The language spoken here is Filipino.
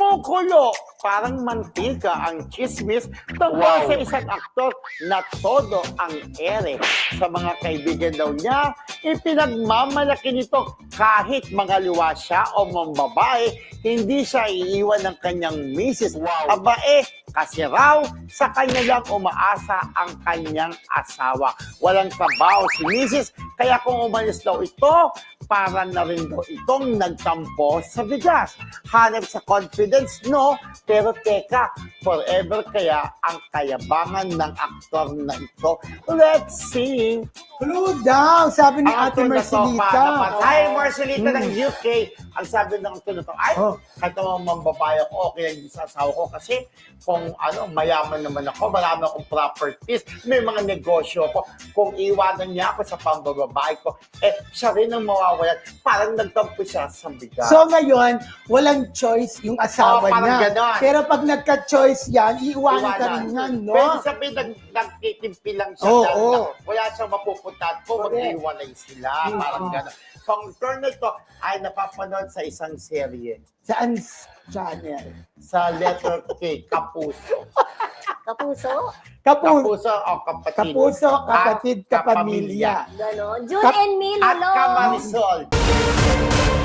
kumukulo. Parang mantika ang chismis tungkol sa isang aktor na todo ang ere. Sa mga kaibigan daw niya, ipinagmamalaki nito kahit mga liwa siya o mambabae, hindi siya iiwan ng kanyang misis. Aba kasi raw sa kanya lang umaasa ang kanyang asawa. Walang trabaho si misis, kaya kung umalis daw ito, para na rin daw itong nagtampo sa bigas. Hanap sa confidence, no? Pero teka, forever kaya ang kayabangan ng aktor na ito? Let's see. Clue daw, sabi ni Ate Marcelita. Hi, Marcelita ng UK. Ang sabi ng aktor na to, ay, kahit naman mambabae ako, okay lang din sa asawa ko kasi kung mayaman naman ako, marami akong properties, may mga negosyo ko. Kung iwanan niya ako sa pambababae ko, siya rin ang mawawalan. Parang nagtampo siya sa bigas. So ngayon, walang choice yung asawa parang niya. ganon. Pero pag nagka-choice yan, iiwanan ka rin yan, no? Pwede sabihin, nagtitimpi lang siya. Wala siyang mapupuntahan po, mag-iwalay sila. Parang gano'n. So, ang turn na ito ay napapanood sa isang serye. Saan channel? Sa letter K, Kapuso. Kapuso? Kapuso o kapatid. Kapuso, kapatid, kapamilya. Ganon. June and Milo. At Kamarisol.